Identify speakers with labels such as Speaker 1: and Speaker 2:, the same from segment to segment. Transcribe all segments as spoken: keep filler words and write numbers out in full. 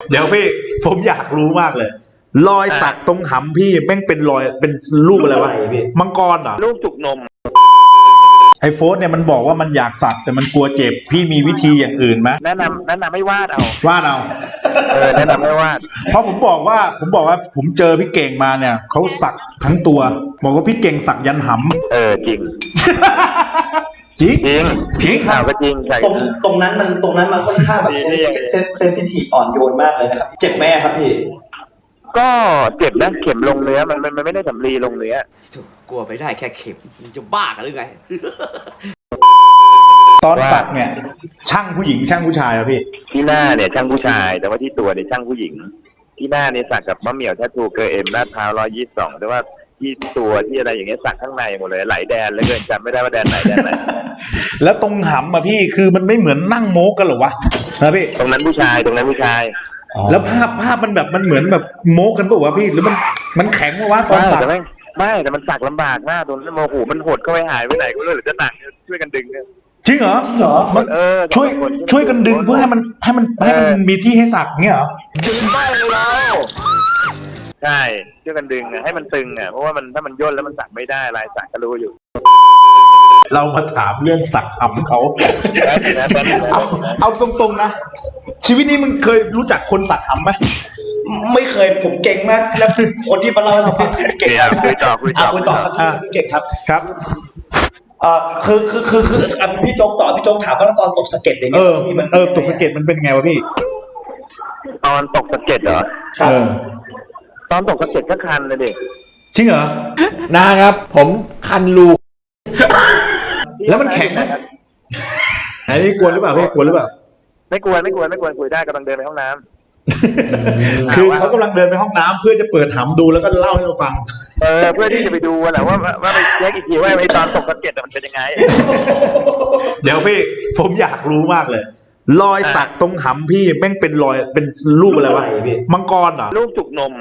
Speaker 1: เดี๋ยวพี่ผมอยากรู้มากเลยรอยสักตรงหำพี่แม่งเป็นรอยเป็นรูปอะไรวะมังกรเหรอ
Speaker 2: รูปจุกนม
Speaker 1: ไอโฟสเนี่ยมันบอกว่ามันอยากสักแต่มันกลัวเจ็บพี่มีวิธีอย่างอื่นไหม
Speaker 2: แนะนำแนะนำให้วาดเอา
Speaker 1: วาดเอา
Speaker 2: เออแนะนำให้วาด
Speaker 1: เพราะผมบอกว่าผมบอกว่าผมเจอพี่เก่งมาเนี่ยเขาสักทั้งตัวบอกว่าพี่เก่งสักยันหำ
Speaker 2: เออจริง
Speaker 1: จริง
Speaker 2: จริง
Speaker 1: จริง
Speaker 2: ข่าวก็จริงใช่
Speaker 3: ตรงตรงนั้นมันตรงนั้นมันค่อนข้างแบบเซนซิทีฟอ่อนโยนมากเลยนะครับเจ็บไหมครับพี่
Speaker 2: ก็เจ็บนะเข็มลงเนื้อมันมันไม่ได้สำลีลงเนื้อก
Speaker 3: ลัวไปได้แค่เข็มมันจะบ้ากันหรือไง
Speaker 1: ตอนสักเนี่ยช่างผู้หญิงช่างผู้ชายอะพี่
Speaker 2: ที่หน้าเนี่ยช่างผู้ชายแต่ว่าที่ตัวเนี่ยช่างผู้หญิงที่หน้าเนี่ยสักกับมะเหมี่ยวแททูเกอร์เอ็มลาดพร้าวร้อยยี่สิบสองแต่ว่าที่ตัวที่อะไรอย่างเงี้ยสักข้างในหมดเลยหลายแดนแล้วเกินจำไม่ได้ว่าแดนไหนแดนไหน
Speaker 1: แล้วตรงหำอะพี่คือมันไม่เหมือนนั่งโม้กันหรอวะนะพี่
Speaker 2: ตรงนั้นผู้ชายตรงนั้นผู้ชาย
Speaker 1: แล้วภาพภาพมันแบบมันเหมือนแบบโม้กันป่ะวะพี่หรือมันมันแข็งวะตอนสัก
Speaker 2: ไม่ไม่แต่มันสักลำบากมากตรงนั้นโมโหมันหดก็ไม่หายไปไหนก็เลยหรือจะหนักช่วยกันดึง
Speaker 1: จริงเหรอจริงเหรอมันเออช่วยช่วยกันดึงเพื่อให้มันให้มันให้มันมีที่ให้สักเงี้ยเหรอ
Speaker 2: ดึงได้แล้วใช่ช่วยกันดึงให้มันตึงอ่ะเพราะว่ามันถ้ามันย่นแล้วมันสักไม่ได้ลายสักก็รู้อยู่
Speaker 1: เรามาถามเรื่องสักหำเขาเอาเอาตรงๆนะชีวิตนี้มึงเคยรู้จักคนสักหำไหม
Speaker 3: ไม่เคยผมเก่งมากแล้วคนที่มาเล่าให้เราฟังคือเก่งครับ
Speaker 2: คุยต่อคุยต่อ
Speaker 3: คุยต่อครับพี่เก่งครับ
Speaker 1: ครับ
Speaker 3: อ่าคือคือคือคือพี่โจ๊กต่อพี่โจ๊กถามว่าตอนตกสะเก็ดอย่างเงี้ย
Speaker 1: พี่มันเออตกสะเก็ดมันเป็นไงวะพี่
Speaker 2: ตอนตกสะเก็ดเหรอ
Speaker 1: ครับ
Speaker 2: ตอนตกสะเก็ดก็คันเลยเด็ก
Speaker 1: จริงเหรอ
Speaker 4: นะครับผมคันรู
Speaker 1: แล้วมันแข็งไหมอันนี้กลัวหรือเปล่าพี่กลัวหรือเปล่า
Speaker 2: ไม่กลัวไม่กลัวไม่กลัวคุยได้กำลังเดินไปห้องน้
Speaker 1: ำคือเขากำลังเดินไปห้องน้ำเพื่อจะเปิดหำดูแล้วก็เล่าให้เราฟัง
Speaker 2: เออเพื่อที่จะไปดูแหละว่าว่าไปเช็คอีกทีว่าไอ้ตอนตกสะเก็ดมันเป็นยังไง
Speaker 1: เดี๋ยวพี่ผมอยากรู้มากเลยรอยสักตรงหำพี่แม่งเป็นรอยเป็นรูปอะไรวะมังกรเหรอ
Speaker 2: รูปจุกนม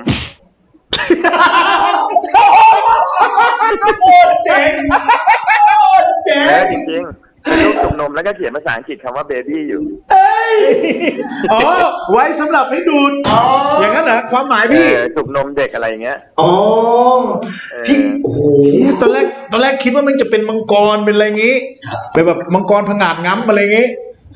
Speaker 3: โคตรเจ๋งเจ๋ง
Speaker 2: จริงจริงรูปจุกนมแล้วก็เขียนภาษาอังกฤษคำว่าเบบี้อยู่
Speaker 1: อ๋อไว้สำหรับให้ดูดอย่างนั้นเหรอความหมายพี่
Speaker 2: จุกนมเด็กอะไรอย่างเงี้ย
Speaker 3: อ๋อพี่โอ้โห
Speaker 1: ตอนแรกตอนแรกคิดว่ามันจะเป็นมังกรเป็นอะไรงี้เป็นแบบมังกรผงาดง้ำอะไรงี้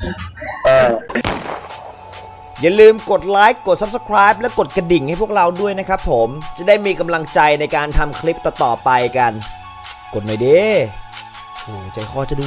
Speaker 4: อย่าลืมกดไลค์กด ซับสไครบ์ และกดกระดิ่งให้พวกเราด้วยนะครับผมจะได้มีกำลังใจในการทำคลิปต่อๆไปกันกดหน่อยดิโอ้ใจคอจะดู